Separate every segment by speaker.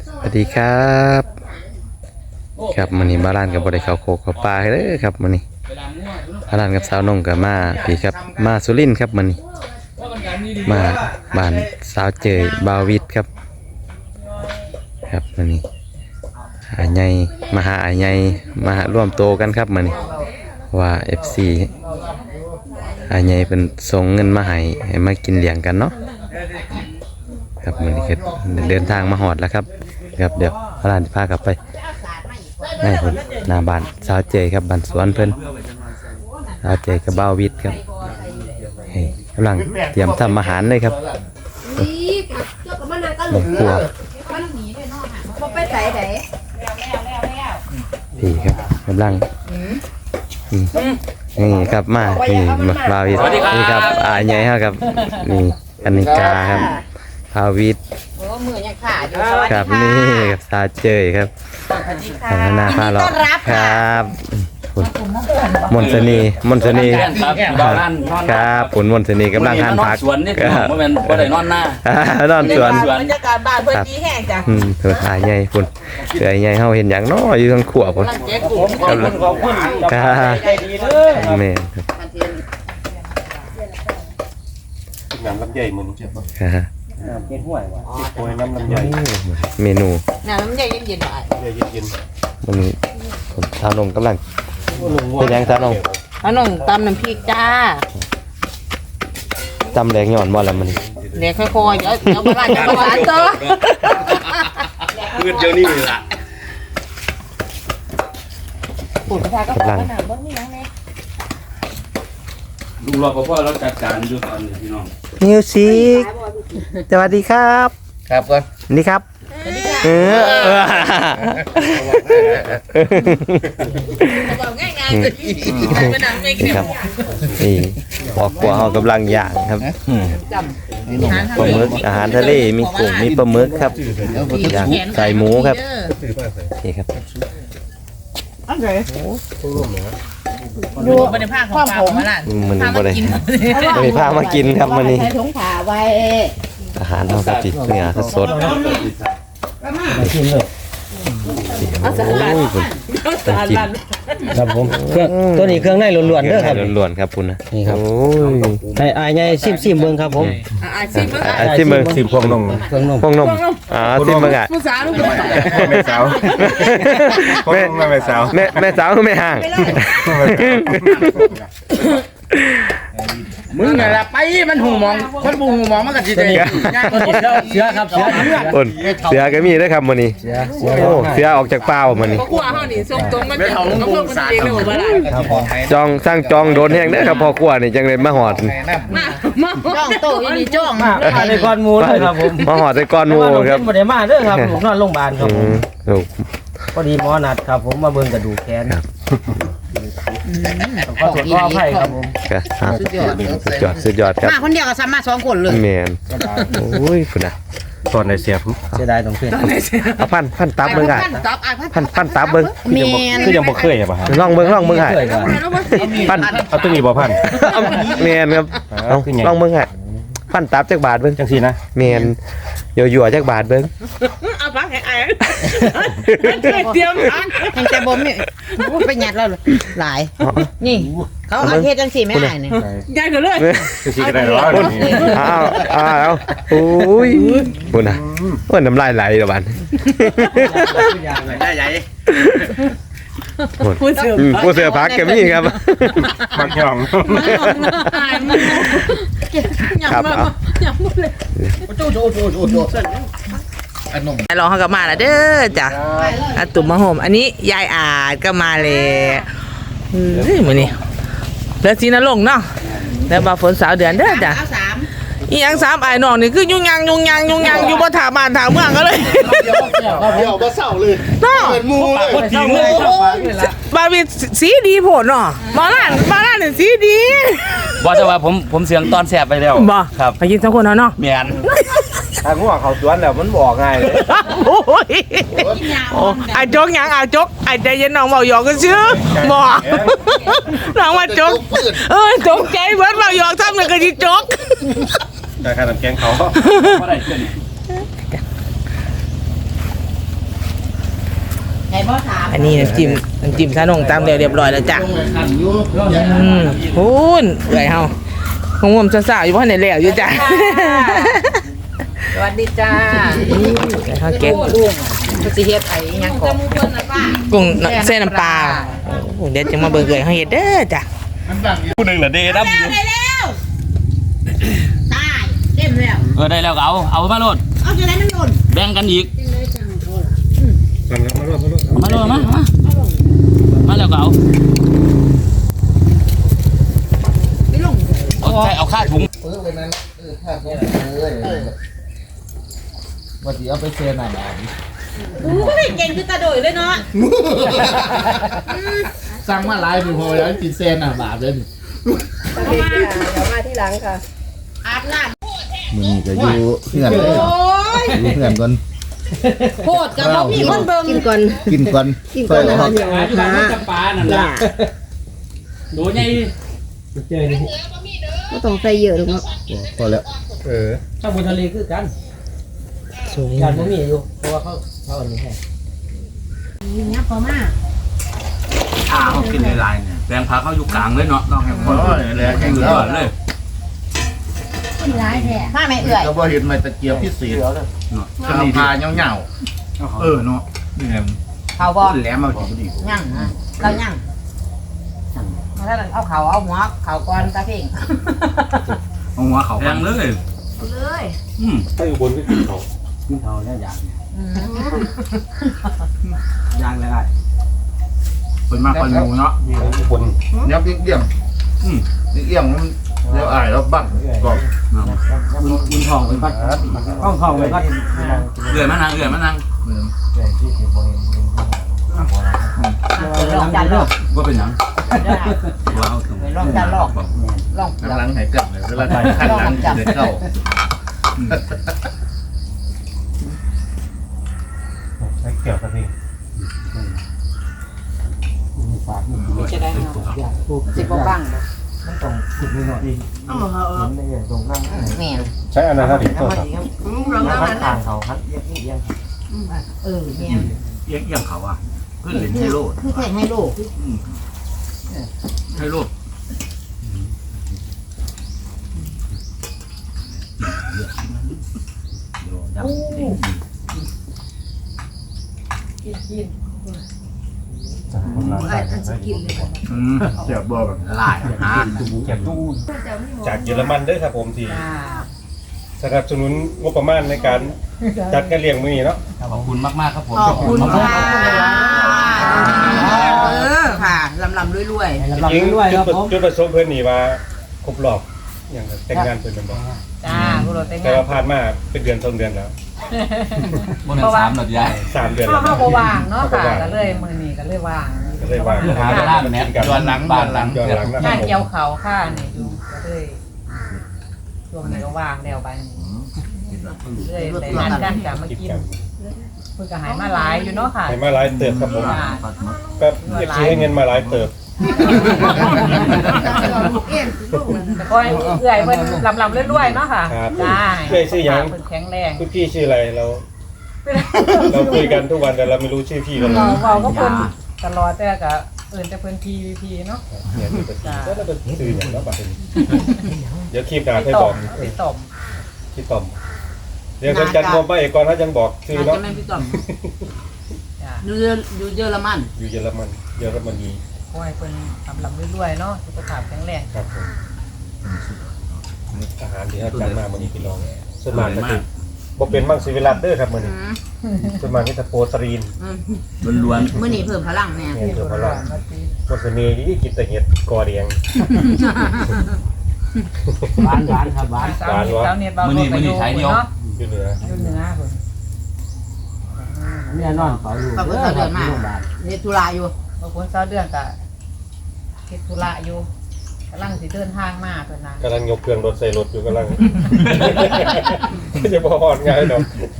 Speaker 1: สวัสดีครับครับมื้อนี้มาร้านกับบ่ได้เข้าโคกเข้าป่าเด้อครับมื้อนี้มาร้านกับสาวนงกับมาพี่ครับมาสุรินทร์ครับมื้อนี้มาบ้านสาวเจยบาวิทครับครับมื้อนี้อาใหญ่มาหาอาใหญ่มาร่วมโตกันครับมื้อนี้ว่า FC อาใหญ่เพิ่นส่งเงินมาให้มากินเลี้ยงกันเนาะครับมื้อนี้ก็เดินทางมาฮอดแล้วครับครับเดี๋ยวร้านจะพากลับไปให้เพิ่นหน้าบ้านสาวเจยครับบ้านสวนเพิ่นสาวเจยกับบ่าววิทย์ครับเฮ้ยกำลังเตรียมทำอาหารเลยครับในครัวพี่ครับกำลังนี่ครับมานี่บ่าววิทย์นี่ครับใหญ่ครับนี่กนิกาครับบ่าววิทย์ครับนี่กับสาวเจยครับหน้าผ้าหลอกครับมนต์สนีครับผลมนต์สนีกำลังทานผัก
Speaker 2: สวนนี่ครับบ่แม่นบ่ได้นอนหน้าน
Speaker 1: อนสวน
Speaker 3: บรรยากาศบ้านเพิ่นดีแห้งจ้ะ
Speaker 1: เถื่อหายใหญ่พุ่นเถื่อใหญ่เฮาเห็นหยังน้ออยู่ทางขวบพุ่นครับแม่
Speaker 4: น้ำลำไยมันเจ็บป่ะ
Speaker 1: ครับ
Speaker 4: เป็นห่วยว่ะโอ้ยน้ำลำไย
Speaker 1: เมนู
Speaker 3: น้ำลำไยเย็นๆหน่อย
Speaker 4: เย็น
Speaker 1: มันสาวนงกำลังเป็นยังสาวนง
Speaker 3: อันน้องตำน้ำพริกจ้า
Speaker 1: ตำแรงหย่อนบ่แล้วมัน
Speaker 3: เดี๋ยวค่อยๆเดี๋ยวบ้านจะหวานต่อ
Speaker 4: เดี๋ยวนี้ล่ะ
Speaker 3: ปุ่นพาก็ไปหนาบ้างนี่นะแม่
Speaker 2: ลุงรอพ่อเราจัดการอยู่ตอนนี้พี่น้อง
Speaker 1: มิวสิกสวัสดีครับ
Speaker 2: ครับก่อน
Speaker 1: นี่ครับ
Speaker 3: บอกง่ายๆเลยไม่นานไม่กิน
Speaker 1: ครับนี่ครอบครัวเขากำลังย่างครับปลาหมึกอาหารทะเลมีกุ้งมีปลาหมึกครับย่างใส่หมูครับนี่ครับ
Speaker 3: ดูบรรยากาศของปลาของร้าน
Speaker 1: มันบ่ได้พามากินครับมื้อนี้
Speaker 3: ใส่ถุงผ้าไว้
Speaker 1: อาหารเฮาก็ติดเนื้อสดกินเลยโอ้ยคุณต้องกิน
Speaker 5: ครับผมเครื่องตัวนี้เครื่องในล้วนๆเด้อครับ
Speaker 1: ล้วนๆครับคุณนะ
Speaker 5: นี่ครับ
Speaker 1: โอ้ย
Speaker 5: ให้อายใหญ่ซิมเบิ่งครับผม
Speaker 1: ซิมเบิ่ง
Speaker 4: สิบพวงนม
Speaker 5: เครื่องนม
Speaker 1: พวงนมซิมเบิ่งอ่ะ
Speaker 3: ผู้สาวลูก
Speaker 4: แม่สาวแม่สาว
Speaker 1: แม่สาวคือแม่ห่าง
Speaker 2: มึงน่ะล่ะไปมันหูมองคนบ่หูมองมันก็สิได้
Speaker 5: เสือครับเสือ
Speaker 1: ก็มีด้วยครับมื้อนี้โอ้เสือออกจากป่ามื้อนี้
Speaker 3: ครัวเฮานี่ส่งตรงมันเป็นของเพิ่นคนเองเลยบ่ได้
Speaker 5: ครับผม
Speaker 1: จองสร้างจองโดนแห้งเด้อครับพ่อครัวนี่จังได๋มาฮอด
Speaker 3: จ้องโตอีนี่จ้อง
Speaker 5: ในก้อนหมูเลยครับผม
Speaker 1: มาฮอดในก้อนหมูครับ
Speaker 5: บ่ได้มาเด้อครับผมนอนโรงพยาบาลครับผม
Speaker 1: ลูก
Speaker 5: พอดีหมอนัดครับผมมาเบิ่งกระดูกแขนขอโทษขออภัยครับผม
Speaker 1: สุดยอดครับ
Speaker 3: มาคนเดียวก็สามารถ2คนเลย
Speaker 1: แม่นโอ้ยพุ่นน่ะ
Speaker 4: ตอนในเสียบ
Speaker 5: เสียดายตรงเพิ่น
Speaker 1: เอาพันตับเบิ่งอ่ะพันตับเบิ่ง
Speaker 4: คือยังบ่เคยป่ะครับ
Speaker 1: ลองเบิ่งให้
Speaker 4: พันเอาตัวนี้บ่พัน
Speaker 1: แม่นครับลองเบิ่งให้พันตับจักบาทเบิ่ง
Speaker 4: จังซี่นะ
Speaker 1: แม่นยั่วๆจักบาทเบิ่ง
Speaker 3: เอาฟังให้อ้ายเตรียมทานแห่งแต่บ่มีไปหยัดแล้วหลายนี่เขาเอาเฮ็ดจังซี่แม่อ้ายนี่ใหญ่ก็เลย
Speaker 4: จังซี่ก็ได้หรอ
Speaker 1: เอาโอ้ยพุ่นน่ะโอ้ยน้ำลายไหลแล้วบัด
Speaker 2: ได้ใหญ่
Speaker 1: ผู้เสือพักแกมี่ครับ
Speaker 4: มักย่อง
Speaker 1: ครับ
Speaker 3: ลองเขาก็มาแล้วเด้อจ้ะอาตุ่มมะโหมอันนี้ยายอาจก็มาเลยมื้อนี้แล้วสีนรงค์เนาะแล้วบ่ฝนสาวเดือนเด้อจ้ะอีหยัง3อ้ายน้องนี่คือยุ่งยังอยู่บ่ถาบ้านถาเมืองก็เลย
Speaker 4: เดี๋ยวบ่เศร้าเลย
Speaker 3: เนาะ
Speaker 4: เป็นหมู่เลย
Speaker 3: บาวิสีดีโพดเนาะบ่ร้านนี่สีดี
Speaker 2: บ่แต่ว่าผมเสียงตอนแซ่บไปแล้ว
Speaker 3: บ่
Speaker 2: ครับ
Speaker 3: ไปกิน2คนเนาะ
Speaker 2: แม่น
Speaker 1: ถ้างัวเข้าสวนแล้วมันบ่ง่ายเลย
Speaker 3: โอ้ยไอ้จกหยังจกไอ้ใจเย็นน้องเว้าหยอกกันซื่อบ่น้องว่าจกจกใจเบิดเว้าหยอกซ้ำนึงก็สิจก
Speaker 4: ได้ค่าน้ำแกงเขาบ่ได้เกิน
Speaker 6: บ่ถาม
Speaker 3: อันนี้น้ำจิ้มซาหนงตามเรียบร้อยแล้วจ้ะพูนเอื่อยเฮาคงงมสาวๆอยู่เพราะในแล้วอยู่จ้ะ
Speaker 6: สวัสดีจ้า
Speaker 3: ข้าวแกง
Speaker 6: ผู้สิเฮ็ดไอ้ยังก่อน
Speaker 3: กุ้งเส้นน้ำปลาโอ้เดี๋ยวจะมาเบิ่งเอื่อยเฮาเฮ็ดเด้อจ้ะ
Speaker 1: ผู้หนึ่งเหรอเดดับอยู่
Speaker 6: ได้แล้วตายเต็มแล้ว
Speaker 2: ได้แล้วก็เอามาโลด
Speaker 6: เอาจะได้มันหล่น
Speaker 2: แบ่งกันอีกมาโลดมาแล้วก็เอา
Speaker 6: ไม่ลง
Speaker 2: เอาค่าถุง
Speaker 5: ว่าสิเอาไปเชิญหน่อยนะ
Speaker 6: อุ้ยเก่งคือตาโดยเลยเนาะ
Speaker 2: สั่งมาหลายปีพอแล้วกินเซนอ่ะบาทเลย
Speaker 6: อาบน้
Speaker 4: มื้อนี้ก็อยู่เพื่อน
Speaker 6: ำ
Speaker 4: เลย
Speaker 6: โอ้ย
Speaker 4: อยู่เพื่อนก่อน
Speaker 6: โคตรกับบ่มีคนเบิ่งกินก่อน
Speaker 4: กินก่อนค่อยออก
Speaker 2: จะปลานั่นล่ะดูไง
Speaker 6: ก็ต้องใส่เยอะหรอกเนาะ
Speaker 4: พอแล้ว
Speaker 5: ถ้าบนทะเลคือกันการบ่มีอยู่เพราะว่าเขาอันนี้ให้
Speaker 6: นี่พอมาก
Speaker 2: เขากินในลายเนี่ยแบ่งผักเขาอยู่กลางเลยเนาะต้องให้พอเลยแข่งเลย
Speaker 6: ร้ายแท้มาไม่เอื่อย
Speaker 4: ก็บ่เห็นไม้ตะเกียบพิเศษก็นี่พาเหงาๆเนาะนี่แหละ
Speaker 6: เขาบ่
Speaker 4: แหลมมาสิดี
Speaker 6: ยั่งนะเรายั่งมาแล้วเอาเขาเอาหัวเขาก่อนตาเพ่ง
Speaker 2: เอาหัวเขาแบ่งเลย
Speaker 6: เลย
Speaker 5: กินเขาแล้วอย่างย่างแล้วได้
Speaker 2: เป็นมากคนดูเนาะ
Speaker 4: ยับเอี่ยมเอี่ยมมันเดี๋ยวอ้ายแล้วบั้งก็
Speaker 5: กินทองไปก่อนทองไปก่อน
Speaker 2: เอื่อยมานั่ง
Speaker 6: ลองจันลอก
Speaker 2: ว่าเป็นหยังว้าวถึง
Speaker 6: ลองจันลอกลอง
Speaker 4: หลังหายเกิดเลยเวลาขั้นหลังเด็กเข้า
Speaker 5: ใช้เกี่ยวกับนี่มีฝาดมีจะได้เนาะ
Speaker 6: สิบ่บัง
Speaker 5: มันต้องขุดนิดหน่อยเห็นได้อย่างตรงนั่ง
Speaker 6: แม่
Speaker 5: ใช้อันนั้นครับดิตัว
Speaker 6: ลองนั้น
Speaker 5: ทางเขาครับเอียง
Speaker 6: เนี่ย
Speaker 2: เอียงเขาอ่ะเพื่อนเล่นให้โลด
Speaker 6: คือแข่งให้ลูก
Speaker 2: ให้โลดเสียบบ่แบบลายหา
Speaker 5: เก็บตู้
Speaker 7: จากเยอรมันเด้อครับผมที่สนับสนุนงบประมาณในการจัดการเลี้ยงมื้อนี้เนาะ
Speaker 2: ขอบคุณมากๆครับผม
Speaker 6: ขอบคุณค่ะค่ะลำรวย
Speaker 7: จริงจุดประสงค์เพิ่นนี่ว่าครบรอบอย่างแต่งงานเพิ่นเป็นบ่
Speaker 6: จ้าผู้รถแต่ง
Speaker 7: แต่
Speaker 6: งาน
Speaker 7: ว่าผ่านมาเป็นเดือน2เดือนแล้ว
Speaker 2: บนสามหลอดยาย
Speaker 7: 3เดือน
Speaker 8: เข้า
Speaker 7: แล้ว
Speaker 8: บ่ว่างเนาะค่ะก็เลยมื้อนี้ก็เลยว่าง
Speaker 7: ก็เลยว่า
Speaker 2: หาเวลาแม่ย้อนหลังบ้านหลัง
Speaker 7: ย้อนหลังนะค
Speaker 8: งา
Speaker 7: รับ
Speaker 8: น
Speaker 7: ผม
Speaker 8: เกี่ยวเขาค่ะนี่อยู่ก็เลยช่วงนี้ก็ว่างแล้วไปเลยแต่งานกันจะมา
Speaker 7: คิด
Speaker 8: กิน
Speaker 7: กัน
Speaker 8: เพิ่นก็หายมาหลายอยู่เนาะค่ะ
Speaker 7: ให้มาหลายเติบครับผม
Speaker 8: ค่ะ
Speaker 7: ก็เก็บซื้อให้เงินมาหลายเติบ
Speaker 8: แต่ก็เอื้อยเพิ่นลำๆรวยๆเนาะค่ะ
Speaker 7: ครับ
Speaker 8: จ้า
Speaker 7: เอ้ยชื่อหยัง
Speaker 8: เพิ่นแข็งแรง
Speaker 7: คุณพี่ชื่ออะไรเราคุยกันทุกวันแต่เราไม่รู้ชื่อพี่กันเลย
Speaker 8: เว้าก็เพิ่นตลอดแต่ก็เอิ้นแต่เพิ่นพีเนาะ
Speaker 7: เนี่ยมีแต่พี่แล้วเราเป็นชื่ออย่างแล้วบัดนี้เดี๋ยวคลิปหน้าให้
Speaker 8: ต่
Speaker 7: บ
Speaker 8: อ
Speaker 7: อก
Speaker 8: มไปต่อม
Speaker 7: พี่ต้อมเดี๋ยวจันทร์มองไปก่อนถ้าจังบอกชื่อ
Speaker 6: จะ
Speaker 7: เนาะ
Speaker 6: แม่พี่ต้อม
Speaker 8: จ้า
Speaker 6: อยู่เยอรมัน
Speaker 7: อยู่เยอรมนี
Speaker 8: ขอให้เพิ่นลำๆรวยๆเนาะสุขภาพแข็งแรง
Speaker 7: ครับผมอาหารที่อาจารย์มาวันนี้พี่น้องส่วนมากก็คือบอกเป็นมังสวิรัตเด้อครับมื้อนี้ส่วนมากนี่จะโปรตีน
Speaker 2: ล้วน
Speaker 6: มื้อนี้เพิ่มพลังแน่
Speaker 7: เนี่ยเดี๋ยวพลังวัสนีนี่กินแต่เห็ดกอเดียง
Speaker 5: หวานครับหวาน
Speaker 8: สาวเน็ตเบาลงไปอยู่เนาะ
Speaker 7: อยู่เหนือ
Speaker 8: อยู่เหนือเพิ่น
Speaker 5: เนี่ยนอนเฝ้าอยู่
Speaker 6: ขอบคุณเดือนมาเฮ็ดธุระอยู่
Speaker 8: บางคนเช้าเดือนก็เฮ็ดธุระอยู่กำลังสิเดินทางมาเพิ่นน่ะ
Speaker 7: กำลังยกเครื่องรถใส่รถอยู่กำลัง จะพอหอดง่ายดอก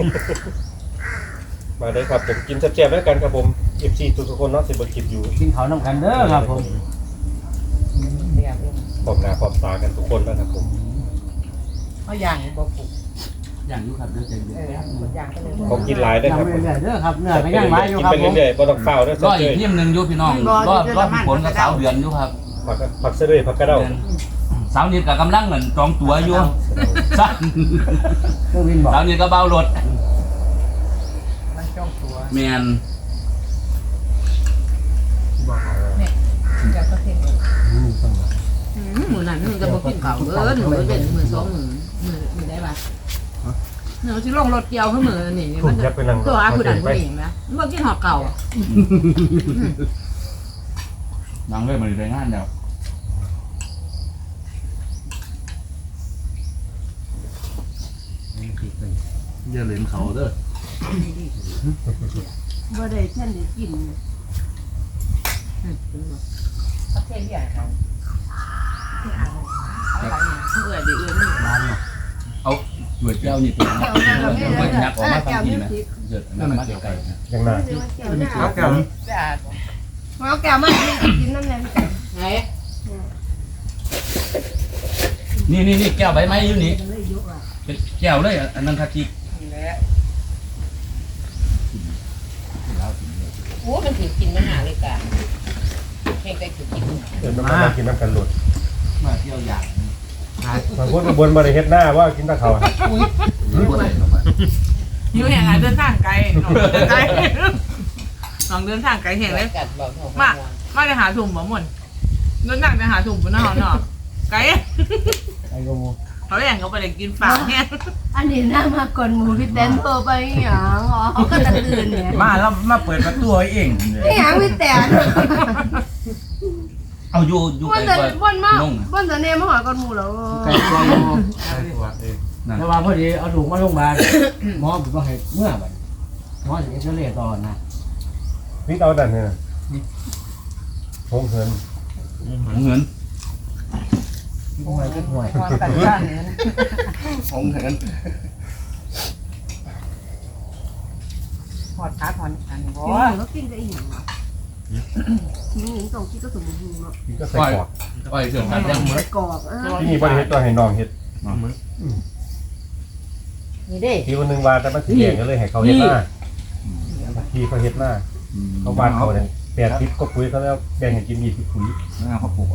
Speaker 7: มาได้ครับผมกินแซ่บๆแล้วกันครับผม FC ทุกๆคนเนาะสิบ่คิดอยู่
Speaker 5: กินเขาน้ำกันเด้อครับผม
Speaker 8: เรียบเอง
Speaker 7: พร้อมหน้าพร้อมตากันทุกคนแล้วครับผม
Speaker 8: เฮาย่างนี่บ่ปลูก
Speaker 2: อย่างยุครับเด้อใจเย็น
Speaker 8: อย่างก็เลย
Speaker 7: ผมกินหลายด้วยครับ
Speaker 5: เรื่อยๆเด้อครับเนื้อก็ย่างไว้อยู่
Speaker 7: กิน
Speaker 5: ครับ
Speaker 7: ไป
Speaker 5: ผม
Speaker 7: เรื่อยๆบ่ต้องเฝ้าด้วย
Speaker 2: ก็
Speaker 7: เจ้า
Speaker 2: อี
Speaker 7: เจ้
Speaker 2: กทีมหนึ่งยุพี่น้องรอผลกับสาวเดือนยุครับ
Speaker 7: ผักเสด็จผักกระเด้า
Speaker 2: สาวนิดกับกำลังเหมือนจองตั๋วอยู่สั้น
Speaker 5: เครื่องบินบอก
Speaker 2: สาวนิดก็เบารถ
Speaker 8: มันจ้องตัว
Speaker 2: แมน
Speaker 8: จากประเทศ
Speaker 6: หมูนั่นมันจะบ่กินข้าวหนูเป็นมือสองมือได้ป่ะหนูสิลงรถเกี่ยวขึ้นมือนี่
Speaker 7: ถู
Speaker 6: มั
Speaker 7: ก
Speaker 6: น
Speaker 7: ยับไปนั่ง
Speaker 6: ตัวอาผู้ดันผู้หญิงนะมันบ่กินหอกเก่า
Speaker 2: นั่งเลยมาในงานเดียว
Speaker 4: อย่าเล่นเขาเด้อ
Speaker 6: บ่ได้ท่านได้กิน
Speaker 8: ประเทศใหญ่เขา
Speaker 6: เอื้อดิเอื้อนี่
Speaker 2: เอาหน่วยเจ้านี่เป็นหน่วยยักษ์ออกมาทำกินไหมเกิดนั่นมาเดียวกัน
Speaker 7: ยังน่า
Speaker 4: ครับแก้ว
Speaker 8: สะอาด
Speaker 6: เอาแก้วมากินน้ำแดงไหน
Speaker 2: นี่แก้วใบไม้อยู่นี่เป็นแก้วเลยอันนั้นคาจิ
Speaker 8: แล้ว
Speaker 6: โอ้มันถือกินมันหาเลยกันเพ่งได้ถือกิน
Speaker 7: เดี๋ยวมากินน้ำกันหลุด
Speaker 2: มาเที่ยวอย่าง
Speaker 7: บางคนบนบริเฮ็ดหน้าว่ากินตะเขา
Speaker 3: อยู่แห่งไหนเดินทางไกลไกลลองเดินทางไกลแห่งเลย
Speaker 6: กัดบอก
Speaker 3: มาจะหาถุงบ่หมดเดินทางไปหาถุงบนนอกเนาะไกล
Speaker 5: ไอ้กู
Speaker 3: เขาแย่งเขาไปเลยกินฝากเนี่ย
Speaker 9: อันนี้น่ามาก่อนหมูพี่เต้นโทรไปอย่างอ๋อเขาก็จะตื่นเนี่ย
Speaker 4: มาแล้วมาเปิดประตูให้เอง
Speaker 9: ไม่อย่างพี่แต่
Speaker 2: เอาอยู่
Speaker 9: วัน
Speaker 2: ไกล
Speaker 9: แต่
Speaker 2: กว่า
Speaker 9: วันมากวันแต่เนี่ยมาหาก่อนหมูแล้ว
Speaker 5: ไก่ตัวแต่ว่าพอดีเอาถุงมาโรงพยาบาลหมอบอกให้เมื่อบัดหมอจะเอ็กซเรย์ต่อนะ
Speaker 7: นี่เอาดันเนี่ยหงเหิน
Speaker 2: เงิน
Speaker 5: ห่วยก็ห่วย
Speaker 8: ความกันบ้านนี้
Speaker 2: ของเงิน
Speaker 8: หอดขาหอดอันนี้บ่
Speaker 9: แล้วกินได้อีกอย่างนี่ต้องคิดก็สมบูรณ์เนาะ
Speaker 7: นี่ก็ใส่กรอก
Speaker 2: ไปเสื่อมกันยัง
Speaker 9: กรอบ
Speaker 7: ที่นี่บริเฮ็ดตัวให้น้องเฮ็ด
Speaker 6: นี่เด้
Speaker 7: ที่วันหนึ่งวาแต่มันสีแดงก็เลยให้เขาเฮ็ดหน้าที่เขาเฮ็ดหน้าเขาบ้านเขาเนี่ย80ก็ปุ๋ยเขาแล้วแบ่งให้กิน20ปุ๋ย
Speaker 2: เขาปลูกไว้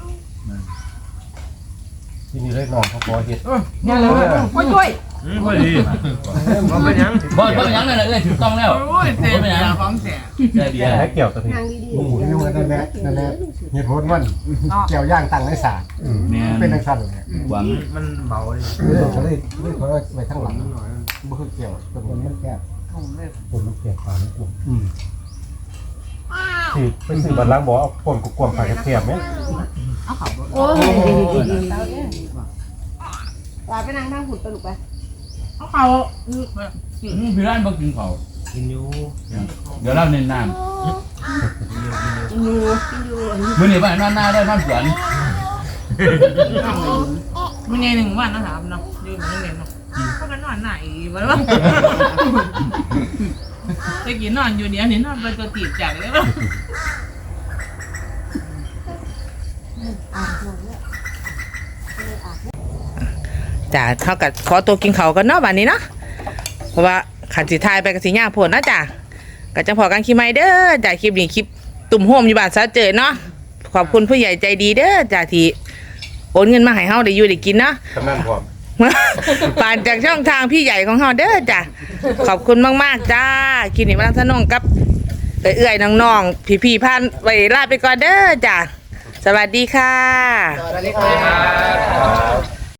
Speaker 7: ที่นี่เลยน้องเขาขอเฮ็ด
Speaker 3: เนี่ยเลยว่าช่วย
Speaker 4: ไม่ดีมันเป็นยัง
Speaker 2: บ่ยังนั่นแหละเลยถูกต้องแล้ว
Speaker 3: โอ้ยเสียของเสีย
Speaker 2: ได้เบียร์
Speaker 7: ให้เกี่ยวตัวนี้
Speaker 9: ทางดี
Speaker 5: โอ้โหนี่มันนั่นแหละเหตุผลมันแก้วย่างตั้งในสา
Speaker 2: เนี่ย
Speaker 5: เป็นทังสั้นเลย
Speaker 2: หวัง
Speaker 4: มันเบาเลย
Speaker 5: เขาเลยเขาไปทั้งหลังบ่คือแก้วแต่มันแก้ว
Speaker 8: ถุงเลย
Speaker 7: คนมันเปลี่ยนปากนี่กลุ่มสิไปซื้อบัตรล้างบ่เอาปนกวางๆฝากแคบๆไหม
Speaker 9: โอ้ยลาไปนั่งทางหุ่นตลุกไป
Speaker 3: เขา
Speaker 2: พี่ร้านบ่กินเขา
Speaker 4: กินอยู่
Speaker 2: เดี๋ยวเราเน้นน้
Speaker 9: กินอยู่
Speaker 2: ำมื้อนี้ไปนอนหน้าได้นอนสวน
Speaker 3: มันไงหนึ่งวันนะครับเนาะยืนมันเล่นเนาะเขาก็นอนไหนวะตะกี้นอนอยู่เดี๋ยวนี้นอนไปตัวตีบจากเลยป่ะจ้าเท่ากับขอตัวกินเขากันเนาะวันนี้เนาะเพราะว่าขันสีทายไปกับสีหญ้าผลนะจ้ะก็จะพอกันคลิปใหม่เด้อจ้าคลิปนี้คลิปตุ่มโฮมอยู่บ้านซะเจอเนาะขอบคุณผู้ใหญ่ใจดีเด้อจ้าที่โอนเงินมาให้เฮาได้อยู่ได้กินเนาะ
Speaker 7: กำนันพร้อม
Speaker 3: ผ่านจากช่องทางพี่ใหญ่ของเฮาเด้อจ้ะขอบคุณมากๆจ้าคลิปนี้มาทนงกับเอื้อยๆน้องๆพี่ๆพันไว้ลาไปก่อนเด้อจ้ะสวัสดีค่ะ
Speaker 6: สวัสดีครับ